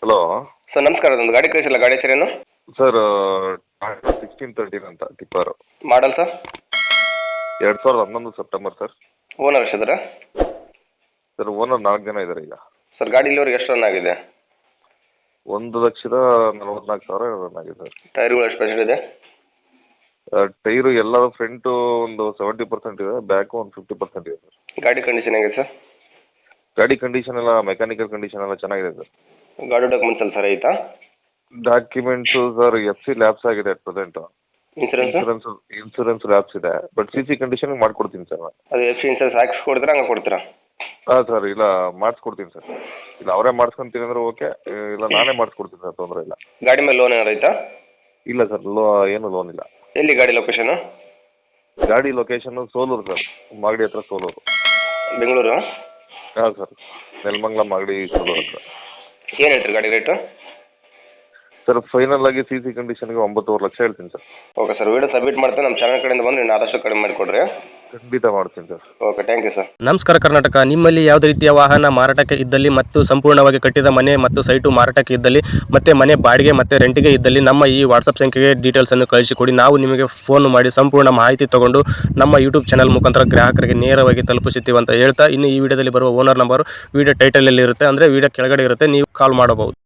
Hello sir ನಮಸ್ಕಾರ, ಒಂದು ಗಾಡಿ ಕಳಿಸಿಲ್ಲ, ಗಾಡಿ ಹೆಸರೇನು? ಸರ್, ಟಾಟಾ 1613 ಅಂತ tipper. Model sir? 2011 September sir. Owner ಎಷ್ಟಿದ್ದಾರೆ? ಸರ್ ಓನರ್ 4 ಜನ ಇದ್ದಾರೆ ಈಗ. ಸರ್ ಗಾಡಿ ಇಲ್ಲಿವರೆಗೆ ಎಷ್ಟು ರನ್ ಆಗಿದೆ? 1,44,000 ರನ್ ಆಗಿದೆ ಸರ್. ಟೈರ್ಗಳು ಎಷ್ಟು ಪರ್ಸೆಂಟ್ ಇದೆ? ಟೈರು ಎಲ್ಲ ಫ್ರಂಟು ಒಂದು 70% ಇದೆ, ಬ್ಯಾಕು ಒಂದು 50% ಇದೆ ಸರ್. ಗಾಡಿ ಕಂಡೀಷನ್ ಹೇಗಿದೆ ಸರ್? ಗಾಡಿ ಕಂಡೀಷನ್ ಎಲ್ಲ ಮೆಕ್ಯಾನಿಕಲ್ ಕಂಡೀಷನ್ ಎಲ್ಲ ಚೆನ್ನಾಗಿದೆ ಸರ್. ಗಾಡಿ ಡಾಕ್ಯುಮೆಂಟ್ಸ್ ಎಲ್ಲ ಸರ್ ಐತಾ? ಡಾಕ್ಯುಮೆಂಟ್ಸು ಸರ್ FC ಲ್ಯಾಬ್ಸ್ ಆಗಿದೆ at present. Insurance? Insurance lapse ಇದೆ, ಬಟ್ CC ಕಂಡೀಷನ್ ಮಾಡ್ಕೊಡ್ತೀನಿ ಸರ್ ನಾನು. ಅದು FC ಇನ್ಸೂರೆನ್ಸ್ ಹಾಕ್ಸಿ ಕೊಡ್ತೀರಾ, ಹಂಗೆ ಕೊಡ್ತೀರಾ? ಹಾಂ ಸರ್, ಇಲ್ಲ ಮಾಡಿಸ್ಕೊಡ್ತೀನಿ ಸರ್. ಇಲ್ಲ ಅವರೇ ಮಾಡಿಸ್ಕೊಂತೀನಿ ಅಂದ್ರೆ ಓಕೆ, ಇಲ್ಲ ನಾನೇ ಮಾಡಿಸ್ಕೊಡ್ತೀನಿ ಸರ್, ತೊಂದರೆ ಇಲ್ಲ. ಗಾಡಿ ಮೇಲೆ ಲೋನ್ ಏನಾರು ಐತಾ? ಇಲ್ಲ ಸರ್, ಏನು ಲೋನ್ ಇಲ್ಲ. ಎಲ್ಲಿ ಗಾಡಿ ಲೊಕೇಶನು? ಗಾಡಿ ಲೊಕೇಶನ್ನು ಸೋಲೂರು ಸರ್, ಮಾಗಡಿ ಹತ್ರ ಸೋಲೂರು. ಬೆಂಗಳೂರು? ಹಾಂ ಸರ್, ನೆಲಮಂಗಲ ಮಾಗಡಿ ಸೋಲೂರು ಹತ್ರ. ಏನು ಹೇಳ್ತೀರಿ ಗಾಡಿ ರೇಟು? ಸರ್ ಫೈನಲ್ ಆಗಿ CC ಕಂಡೀಷನ್ಗೆ 9.5 ಲಕ್ಷ ಹೇಳ್ತೀನಿ sir. Okay sir, video submit ಮಾಡ್ತೀನಿ. ನಮ್ಮ ಚಾನಲ್ ಕಡೆಯಿಂದ ಬಂದು ನೀವು ಆದಷ್ಟು ಕಡಿಮೆ ಮಾಡಿಕೊಡ್ರಿ. ಖಂಡಿತ ಮಾಡ್ತೀನಿ sir. Okay, thank you sir. ನಮಸ್ಕಾರ ಕರ್ನಾಟಕ. ನಿಮ್ಮಲ್ಲಿ ಯಾವುದೇ ರೀತಿಯ ವಾಹನ ಮಾರಾಟಕ್ಕೆ ಇದ್ದಲ್ಲಿ ಮತ್ತು ಸಂಪೂರ್ಣವಾಗಿ ಕಟ್ಟಿದ ಮನೆ ಮತ್ತು ಸೈಟು ಮಾರಾಟಕ್ಕೆ ಇದ್ದಲ್ಲಿ ಮತ್ತು ಮನೆ ಬಾಡಿಗೆ ಮತ್ತು ರೆಂಟಿಗೆ ಇದ್ದಲ್ಲಿ ನಮ್ಮ ಈ ವಾಟ್ಸಪ್ ಸಂಖ್ಯೆಗೆ ಡೀಟೇಲ್ಸನ್ನು ಕಳಿಸಿಕೊಡಿ. ನಾವು ನಿಮಗೆ ಫೋನ್ ಮಾಡಿ ಸಂಪೂರ್ಣ ಮಾಹಿತಿ ತಗೊಂಡು ನಮ್ಮ ಯೂಟ್ಯೂಬ್ ಚಾನಲ್ ಮುಖಾಂತರ ಗ್ರಾಹಕರಿಗೆ ನೇರವಾಗಿ ತಲುಪಿಸುತ್ತೀವಿ ಅಂತ ಹೇಳ್ತಾ, ಇನ್ನು ಈ ವಿಡಿಯೋದಲ್ಲಿ ಬರುವ ಓನರ್ ನಂಬರು ವಿಡಿಯೋ ಟೈಟಲಲ್ಲಿ ಇರುತ್ತೆ, ಅಂದರೆ ವಿಡಿಯೋ ಕೆಳಗಡೆ ಇರುತ್ತೆ, ನೀವು ಕಾಲ್ ಮಾಡಬಹುದು.